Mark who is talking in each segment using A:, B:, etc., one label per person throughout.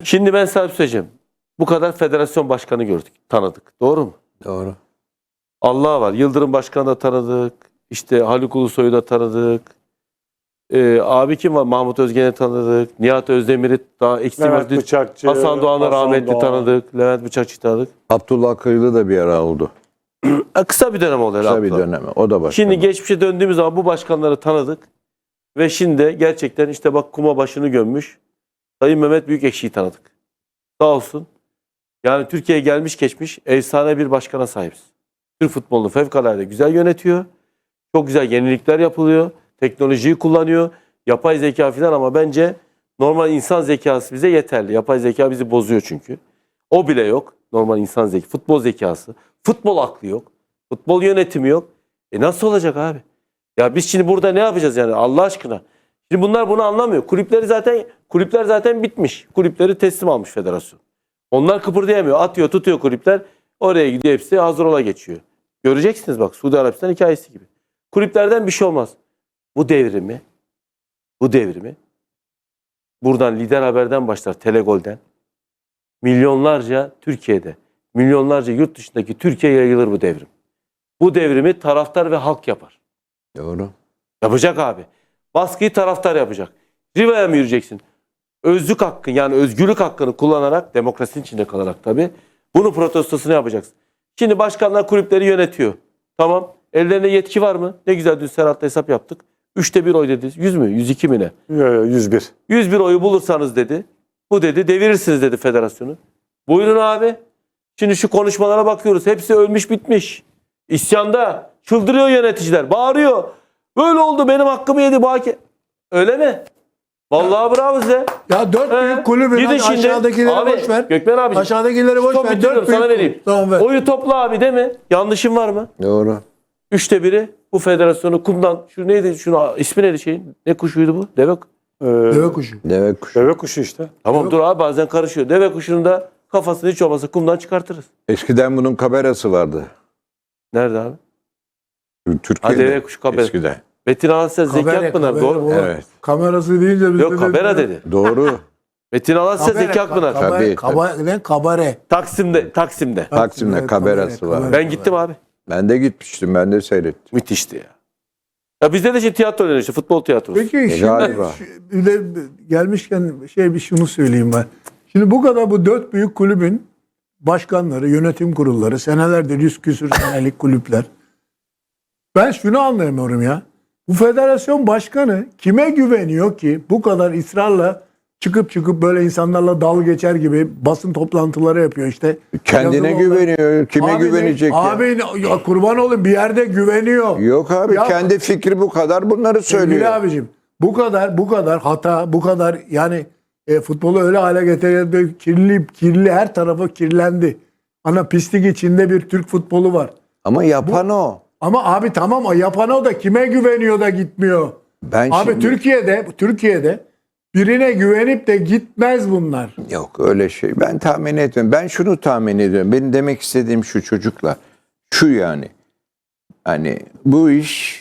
A: Şimdi ben sana bir şey söyleyeceğim. Bu kadar federasyon başkanı gördük, tanıdık. Doğru mu?
B: Doğru.
A: Allah var. Yıldırım Başkanı da tanıdık. İşte Haluk Ulusoy'u da tanıdık. Abi kim var? Mahmut Özgen'i tanıdık. Nihat Özdemir'i daha
C: Levent Bıçakçı,
A: Hasan Doğan'ı rahmetli
C: Doğan.
A: tanıdık. Levent Bıçakçı tanıdık.
B: Abdullah Kırılı da bir ara oldu.
A: Kısa bir dönem oldu.
B: Kısa bir dönemi. O da başka.
A: Şimdi geçmişe döndüğümüz zaman bu başkanları tanıdık. Ve şimdi gerçekten işte bak kuma başını gömmüş. Sayın Mehmet Büyükekşi'yi tanıdık. Sağ olsun. Yani Türkiye'ye gelmiş geçmiş efsane bir başkana sahibiz. Türk futbolunu fevkalade güzel yönetiyor. Çok güzel yenilikler yapılıyor. Teknolojiyi kullanıyor. Yapay zeka falan ama bence normal insan zekası bize yeterli. Yapay zeka bizi bozuyor çünkü. O bile yok. Normal insan zekası. Futbol zekası. Futbol aklı yok. Futbol yönetimi yok. Nasıl olacak abi? Ya biz şimdi burada ne yapacağız yani Allah aşkına? Şimdi bunlar bunu anlamıyor. Kulüpler zaten bitmiş. Kulüpleri teslim almış federasyon. Onlar kıpırdayamıyor. Atıyor, tutuyor kulüpler. Oraya gidiyor hepsi hazır ola geçiyor. Göreceksiniz bak Suudi Arabistan hikayesi gibi. Kulüplerden bir şey olmaz. Bu devrimi buradan Lider Haber'den başlar, Telegol'den. Milyonlarca Türkiye'de, milyonlarca yurt dışındaki Türkiye'ye yayılır bu devrim. Bu devrimi taraftar ve halk yapar.
B: Doğru.
A: Yapacak abi. Baskıyı taraftar yapacak. Riva'ya mı yürüyeceksin? Özlük hakkın yani özgürlük hakkını kullanarak, demokrasinin içinde kalarak tabii, bunu protestosunu yapacaksın. Şimdi başkanlar kulüpleri yönetiyor. Tamam. Ellerinde yetki var mı? Ne güzel dün Serhat'la hesap yaptık. 1/3 oy dedi. 100 mü? 102 mi ne?
C: 101.
A: 101 oyu bulursanız dedi. Bu dedi devirirsiniz dedi federasyonu. Buyurun abi. Şimdi şu konuşmalara bakıyoruz. Hepsi ölmüş bitmiş. İsyanda. Çıldırıyor yöneticiler. Bağırıyor. Böyle oldu benim hakkımı yedi bu hakem. Öyle mi? Vallahi bravo size.
D: Ya 4 büyük kulübün
A: Gidin şimdi.
D: aşağıdakileri
A: Abi,
D: boş ver.
A: Gökmen abi.
D: Aşağıdakileri boş ver. 4
A: sana
D: büyük
A: vereyim.
D: Tamam ver.
A: Oyu topla abi değil mi? Yanlışım var mı?
B: Doğru.
A: 1/3 bu federasyonu kumdan. Şu neydi? Şunu ismi neydi şeyin? Ne kuşuydu bu? Deve
D: Deve kuşu.
B: Deve kuşu.
C: Deve kuşu işte.
A: Tamam dur abi bazen karışıyor. Deve kuşunun da kafasını hiç olmazsa kumdan çıkartırız.
B: Eskiden bunun kamerası vardı.
A: Nerede abi?
B: Türkiye'de.
A: Deve kuşu kabera.
B: Eskiden.
A: Metin Alasya Zeki
D: Kabere,
A: Akpınar.
D: kabere,
A: Doğru.
D: o
B: Evet.
D: Kamerası deyince biz
A: Yok
D: de
A: kabera dedi.
B: Doğru.
A: Metin Alasya Zeki Akpınar.
B: Tabii,
D: Kabare.
A: Taksim'de.
B: Taksim'de kamerası var.
A: Ben gittim abi.
B: Ben de gitmiştim. Ben de seyrettim.
A: Müthişti ya. Ya bizde de tiyatro oynuyor işte futbol tiyatrosu.
D: Peki şimdi
B: galiba.
D: bir de gelmişken şunu söyleyeyim ben. Şimdi bu kadar bu 4 büyük kulübün başkanları, yönetim kurulları, senelerdir 100 küsür senelik kulüpler. Ben şunu anlayamıyorum ya. Bu federasyon başkanı kime güveniyor ki bu kadar ısrarla çıkıp böyle insanlarla dalga geçer gibi basın toplantıları yapıyor işte.
B: Kendine
D: Yazılı
B: güveniyor. Kime
D: Abi
B: güvenecek ya?
D: Abi ya kurban olayım bir yerde güveniyor.
B: Yok abi
D: Ya-
B: kendi fikri bu kadar bunları
D: Sevgili
B: söylüyor.
D: abicim bu kadar hata, bu kadar yani futbolu öyle hale getiren kirli her tarafı kirlendi. Ana pislik içinde bir Türk futbolu var.
B: Ama yapan o.
D: Ama abi tamam o yapan o da kime güveniyor da gitmiyor.
B: Ben
D: Abi
B: şimdi...
D: Türkiye'de birine güvenip de gitmez bunlar.
B: Yok öyle şey. Ben tahmin etmiyorum. Ben şunu tahmin ediyorum. Benim demek istediğim şu çocuklar. Şu yani. Hani bu iş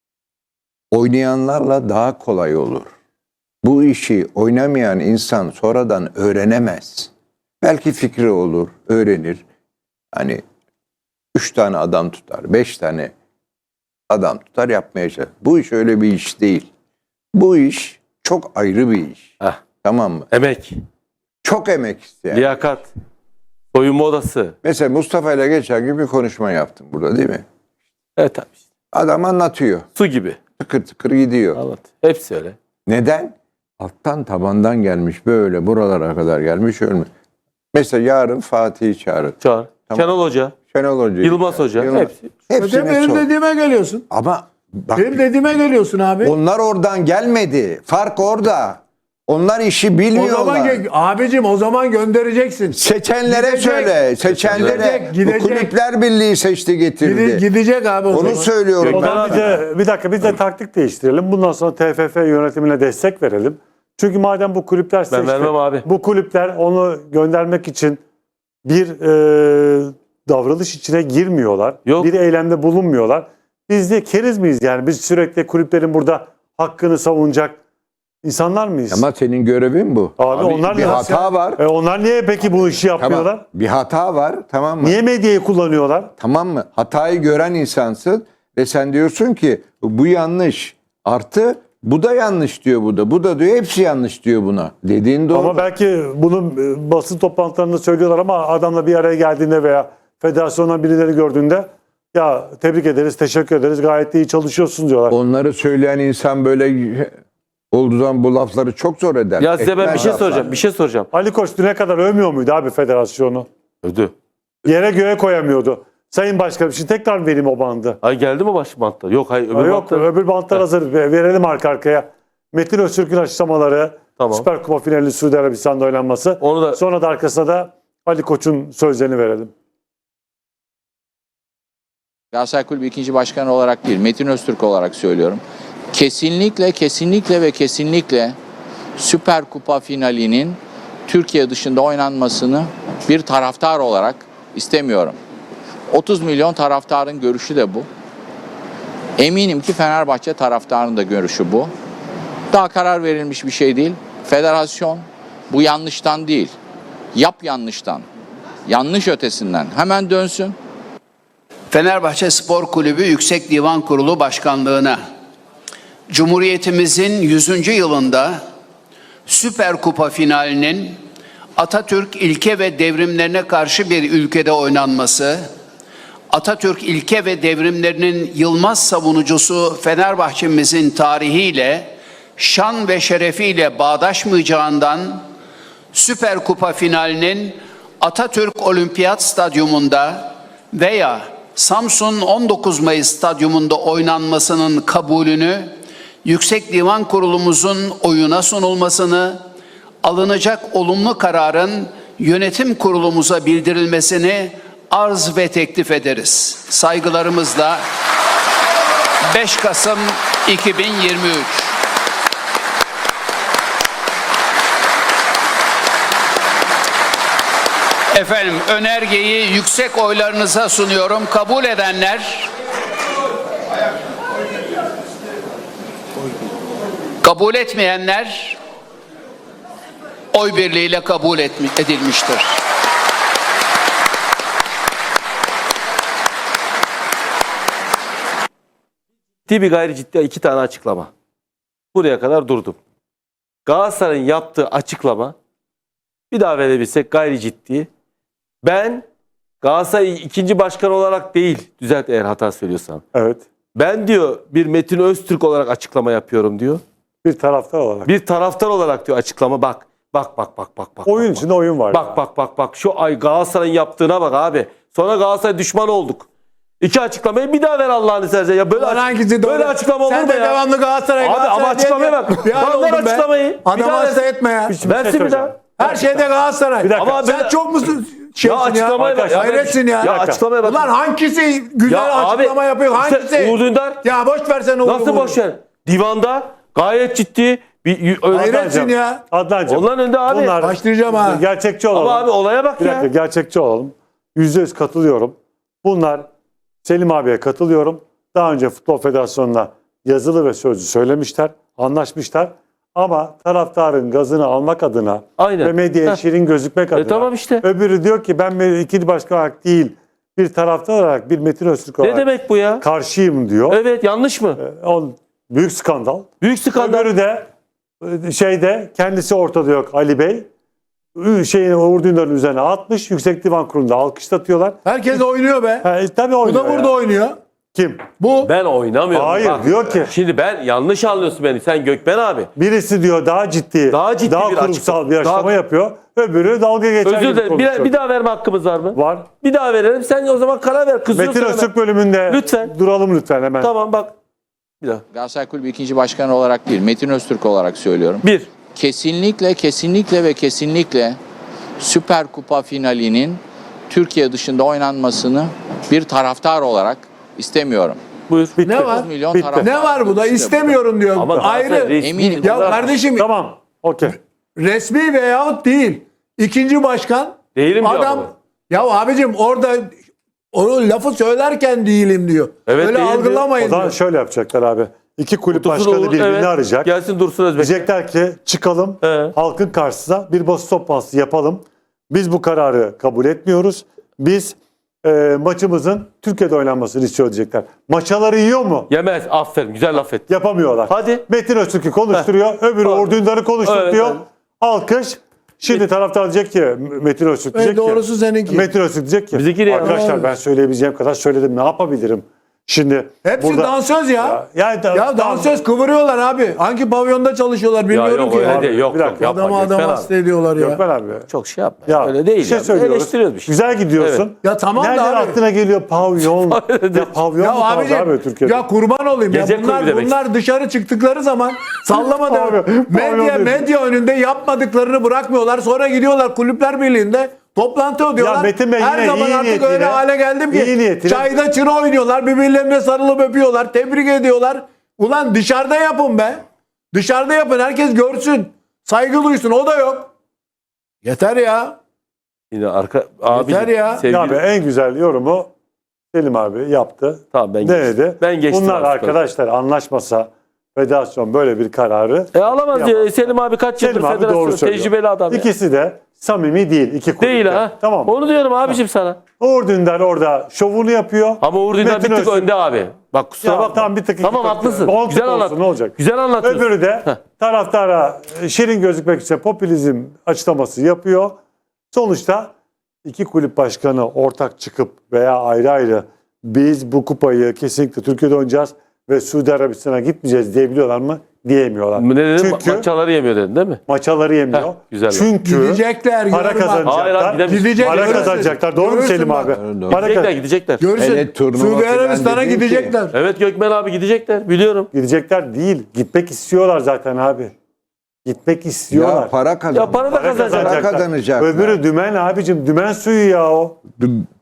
B: oynayanlarla daha kolay olur. Bu işi oynamayan insan sonradan öğrenemez. Belki fikri olur, öğrenir. Hani 3 tane adam tutar, 5 tane adam tutar yapmaya çalışır. Bu iş öyle bir iş değil. Bu iş çok ayrı bir iş.
A: Heh.
B: Tamam mı?
A: Emek,
B: Çok emek isteyen.
A: liyakat, soyunma odası.
B: Mesela Mustafa ile geçen gün bir konuşma yaptım burada değil mi?
A: Evet abi.
B: Adam anlatıyor.
A: Su gibi.
B: Tıkır tıkır gidiyor.
A: Anlat. Hepsi öyle.
B: Neden? Alttan tabandan gelmiş böyle buralara kadar gelmiş ölmüş. Mesela yarın Fatih'i çağırın.
A: Çağır.
B: Tamam.
A: Şenol Hoca,
B: Şenol Hoca.
A: Yılmaz Hoca. Hepsi.
B: Hepsine
D: Benim
B: sor.
D: dediğime geliyorsun.
B: Ama bak
D: Benim dediğime geliyorsun abi.
B: onlar oradan gelmedi. Fark orada. Onlar işi
D: O zaman
B: bilmiyorlar.
D: abicim o zaman göndereceksin.
B: Seçenlere
D: Gidecek.
B: söyle. Seçenlere.
D: Gidecek.
B: Bu Kulüpler Birliği seçti getirdi.
D: Gidecek abi o
B: Onu
D: zaman.
B: söylüyorum.
C: O zaman bir dakika biz de taktik değiştirelim. Bundan sonra TFF yönetimine destek verelim. Çünkü madem bu kulüpler seçti.
A: vermem abi.
C: Bu kulüpler onu göndermek için bir davranış içine girmiyorlar.
A: Yok.
C: Bir eylemde bulunmuyorlar. Biz de keriz miyiz yani? Biz sürekli kulüplerin burada hakkını savunacak insanlar mıyız?
B: Ama senin görevin bu.
C: Abi onlar
B: bir
C: nasıl
B: hata
C: ya?
B: var.
C: Onlar niye peki bu işi yapmıyorlar?
B: Tamam. Bir hata var, tamam mı?
C: Niye medyayı kullanıyorlar?
B: Tamam mı? Hatayı gören insansın ve sen diyorsun ki bu yanlış. Artı bu da yanlış diyor bu da. Bu da diyor hepsi yanlış diyor buna. Dediğin doğru.
C: Ama belki bunu basın toplantılarında söylüyorlar ama adamla bir araya geldiğinde veya federasyondan birileri gördüğünde ya tebrik ederiz, teşekkür ederiz, gayet de iyi çalışıyorsun diyorlar.
B: Onları söyleyen insan böyle olduğu zaman bu lafları çok zor eder.
A: Ya size ben bir
B: Etmez
A: şey
B: laflar.
A: soracağım. Bir şey soracağım.
C: Ali Koç düne kadar övmüyor muydu abi federasyonu?
A: Ödü.
C: Yere göğe koyamıyordu. Sayın Başkanım şimdi tekrar vereyim o bandı.
A: Ay geldi mi baş bantta? Yok hayır öbür
C: Yok
A: bantta.
C: öbür bantlar hazır. Verelim arka arkaya. Metin Öztürk'ün açıklamaları,
A: Tamam.
C: Süper Kupa finali Suudi Arabistan'da oynanması.
A: Onu da
C: Sonra da arkasına da Ali Koç'un sözlerini verelim.
E: Galatasaray Kulübü 2. Başkanı olarak değil, Metin Öztürk olarak söylüyorum. Kesinlikle ve kesinlikle Süper Kupa finalinin Türkiye dışında oynanmasını bir taraftar olarak istemiyorum. 30 milyon taraftarın görüşü de bu. Eminim ki Fenerbahçe taraftarının da görüşü bu. Daha karar verilmiş bir şey değil. Federasyon bu yanlıştan değil, yanlıştan, yanlış ötesinden hemen dönsün.
F: Fenerbahçe Spor Kulübü Yüksek Divan Kurulu Başkanlığı'na Cumhuriyetimizin 100. yılında Süper Kupa finalinin Atatürk ilke ve devrimlerine karşı bir ülkede oynanması, Atatürk ilke ve devrimlerinin yılmaz savunucusu Fenerbahçe'mizin tarihiyle, şan ve şerefiyle bağdaşmayacağından Süper Kupa finalinin Atatürk Olimpiyat Stadyumunda veya Samsun 19 Mayıs Stadyumunda oynanmasının kabulünü, Yüksek Divan Kurulumuzun oyuna sunulmasını, alınacak olumlu kararın yönetim kurulumuza bildirilmesini arz ve teklif ederiz. Saygılarımızla 5 Kasım 2023. Efendim önergeyi yüksek oylarınıza sunuyorum. Kabul edenler, kabul etmeyenler oy birliğiyle kabul edilmiştir.
A: ciddi bir gayri ciddi iki tane açıklama. Buraya kadar durdum. Galatasaray'ın yaptığı açıklama bir daha verebilsek gayri ciddi. Ben Galatasaray ikinci başkan olarak değil, düzelt eğer hata söylüyorsam.
C: Evet.
A: Ben diyor bir Metin Öztürk olarak açıklama yapıyorum diyor.
C: Bir taraftar olarak.
A: Bir taraftar olarak diyor açıklama bak. Bak.
C: Oyun
A: bak.
C: içinde oyun var.
A: Bak. Şu ay Galatasaray'ın yaptığına bak abi. Sonra Galatasaray düşman olduk. İki açıklamayı bir daha ver Allah'ını seversen. Ya böyle,
D: Hangisi doğru?
A: böyle açıklama olur
D: Sen
A: mu
D: de
A: ya?
D: devamlı Galatasaray.
A: Abi ama açıklamaya bak.
D: Bir an
A: Bak ver
D: oldum be.
A: açıklamayı. Bir
D: Adamı
A: daha
D: hasta
A: ver.
D: etme ya.
A: Versin bir daha.
D: Her şeyde Galatasaray.
C: Bir dakika.
A: Ama
D: Sen
A: ben-
D: çok musun?
A: Ya açıklamaya bak.
D: Hayretsin ya.
A: Ya açıklamaya bak.
D: Ulan hangisi güzel açıklama yapıyor?
A: işte
D: Hangisi?
A: Uğur Dündar
D: Ya boş versene Uğur'u.
A: nasıl boş ver? Divanda gayet ciddi bir
D: Hayretsin ya.
C: Adnancığım.
A: Onların önünde abi.
C: Bunlar
D: Başlayacağım ha.
C: gerçekçi olalım.
A: Ama abi olaya bak
C: Bir dakika
A: ya.
C: gerçekçi olalım. %100 katılıyorum. Bunlar Selim abiye katılıyorum. Daha önce Futbol Federasyonu'na yazılı ve sözlü söylemişler, anlaşmışlar. Ama taraftarın gazını almak adına
A: Aynen.
C: ve medyaya
A: Heh.
C: şirin gözükmek adına.
A: Tamam işte.
C: Öbürü diyor ki ben ikinci başkan olarak değil, bir taraftar olarak bir Metin Öztürk
A: Ne
C: olarak
A: demek bu ya?
C: karşıyım diyor.
A: Evet yanlış mı?
C: Büyük skandal.
A: Büyük skandal.
C: Öbürü de kendisi ortada yok Ali Bey. Uğur Dündar'ın üzerine atmış. Yüksek Divan Kurulu'nda alkışlatıyorlar.
D: Herkes oynuyor be.
C: Tabii
D: Bu
C: oynuyor
D: da burada
C: ya.
D: oynuyor.
C: Kim?
D: Bu
A: Ben oynamıyorum.
C: Hayır, diyor ki-
A: Şimdi ben yanlış anlıyorsun beni. Sen Gökmen abi.
C: Birisi diyor daha ciddi,
A: Daha ciddi bir
C: kurumsal
A: açıklama.
C: bir açıklama
A: Daha-
C: yapıyor. Öbürü dalga geçer
A: Özür
C: gibi
A: dilerim.
C: konuşuyor.
A: Bir daha verme hakkımız var mı?
C: Var.
A: Bir daha verelim. Sen o zaman karar ver. Kızıyorsun
C: Metin
A: hemen.
C: Öztürk bölümünde
A: Lütfen.
C: duralım lütfen hemen.
A: Tamam bak. Bir daha.
E: Galatasaray Kulübü 2. Başkanı olarak değil, Metin Öztürk olarak söylüyorum.
A: Bir.
E: Kesinlikle ve kesinlikle Süper Kupa finalinin Türkiye dışında oynanmasını bir taraftar olarak istemiyorum.
A: Buyur.
C: Bitti.
D: ne var?
E: 30 milyon
C: Bitti.
E: taraftar
D: Ne var bu da?
E: görüşü de
D: İstemiyorum diyor.
A: Ama
D: Ayrı.
A: Galatasaray resmi
E: Eminim.
D: Ya
A: olarak-
D: kardeşim
C: Tamam. Okey.
D: resmi veyahut değil. İkinci başkan
A: Değilim diyor
D: adam
A: ama.
D: ya abicim orada o lafı söylerken değilim diyor.
A: Evet,
D: Öyle
A: değilim diyor.
C: O
D: algılamayın
C: zaman
D: diyor.
C: şöyle yapacaklar abi. İki kulüp
A: Otursun
C: başkanı
A: Uğur,
C: birbirini
A: evet.
C: arayacak.
A: Gelsin Dursun Özbek.
C: Diyecekler ki çıkalım halkın karşısına bir basın toplantısı yapalım. Biz bu kararı kabul etmiyoruz. Biz maçımızın Türkiye'de oynanmasını istiyor diyecekler. Maçaları yiyor mu?
A: Yemez. Aferin. Güzel laf et.
C: Yapamıyorlar.
A: Hadi.
C: Metin Öztürk'ü konuşturuyor. Öbürü
A: Hadi.
C: Uğur Dündar'ı konuşturuyor.
A: Evet, evet.
C: Alkış. Şimdi taraftar diyecek ki Metin Öztürk diyecek
D: doğrusu
C: ki.
D: seninki.
C: Metin Öztürk diyecek ki.
A: Bizimki de ya.
C: Arkadaşlar ben söyleyebileceğim kadar söyledim. Ne yapabilirim? Şimdi
D: Hepsi dansöz ya.
C: Yani
D: Ya dansöz kıvırıyorlar abi. Hangi pavyonda çalışıyorlar
A: Ya
D: bilmiyorum
A: yok
D: ki.
A: öyle
D: ya.
A: değil. Yok
C: Bir
A: yok
C: dakika.
A: yapma.
D: Adamı
A: Gökmen abi.
D: hasta ediyorlar ya.
C: Gökmen abi.
A: Çok şey yapma.
C: Ya
A: öyle değil.
C: bir şey
A: ya.
C: söylüyoruz.
A: Eleştiriyoruz bir şey.
C: Güzel gidiyorsun.
A: Evet.
D: Ya tamam da
C: Nereden
D: abi.
C: aklına geliyor pavyon? Ya pavyon
D: Ya
C: mu kaldı
D: abicim,
C: abi Türkiye'de?
D: ya kurban olayım ya.
A: Gece kulübü demek
D: Bunlar dışarı çıktıkları zaman sallama da
C: Abi, pavyon
D: medya önünde yapmadıklarını bırakmıyorlar. Sonra gidiyorlar Kulüpler Birliği'nde toplantı ödüyorlar.
C: Ya Metin Bey
D: Her
C: yine
D: zaman
C: iyi
D: artık
C: niyetiyle-
D: öyle hale geldim
C: iyi
D: ki
C: niyetiyle-
D: çayda çıra oynuyorlar. Birbirlerine sarılıp öpüyorlar. Tebrik ediyorlar. Ulan dışarıda yapın be. Dışarıda yapın. Herkes görsün. Saygı duysun. O da yok. Yeter ya.
A: Yine arka abi.
D: Yeter ya.
A: Sevgili,
C: Ya abi en güzel yorumu Selim abi yaptı.
A: Tamam ben
C: Denedi.
A: geçtim. Ben geçtim.
C: Bunlar
A: artık.
C: arkadaşlar anlaşmasa federasyon böyle bir kararı
A: Alamaz
C: Yapamaz.
A: ya. Selim abi kaç yıldır
C: Selim abi doğru
A: federasyon
C: söylüyor.
A: tecrübeli adam ya.
C: İkisi de samimi değil. İki kulüpte.
A: Değil ha.
C: Tamam.
A: Onu diyorum abicim sana.
C: Uğur Dündar orada şovunu yapıyor.
A: Ama Uğur Dündar bir
C: Metin
A: tık
C: Öztürk-
A: önde abi. Bak kusura
C: Ya
A: bakma.
C: tamam, bir tık iki
A: Tamam
C: tık.
A: haklısın.
C: On
A: Güzel
C: tık olsun,
A: anlat.
C: ne olacak?
A: Güzel anlatıyorsun.
C: Öbürü de taraftara şirin gözükmek için popülizm açıklaması yapıyor. Sonuçta iki kulüp başkanı ortak çıkıp veya ayrı ayrı biz bu kupayı kesinlikle Türkiye'de oynayacağız ve Suudi Arabistan'a gitmeyeceğiz diyebiliyorlar mı? Diyemiyorlar.
A: Ne dedin?
C: Çünkü
A: Maçaları yemiyor dedin değil mi?
C: maçaları yemiyor.
A: Heh, güzel.
C: Çünkü
D: Gidecekler.
C: para
D: görün bak.
C: kazanacaklar.
A: Hayır abi, gidemez.
D: Gidecek,
C: Para
D: görürsün.
C: kazanacaklar. Doğru mu
D: Görürsün
C: Selim
D: bak.
C: abi?
B: Doğru.
C: Para
A: Gidecekler
C: kazan-
A: gidecekler.
D: Görürsün.
B: Hele turnuva
D: Suudi
B: falan
D: Arabistan'a
B: dedin ki-
D: gidecekler.
A: Evet Gökmen abi gidecekler. Biliyorum.
C: Gidecekler değil. Gitmek istiyorlar zaten abi. Gitmek istiyorlar.
B: Ya para kazan.
A: Ya para da
C: Para
A: kazanacak.
B: Para kazanacaklar.
C: Öbürü dümen abicim. Dümen suyu ya o.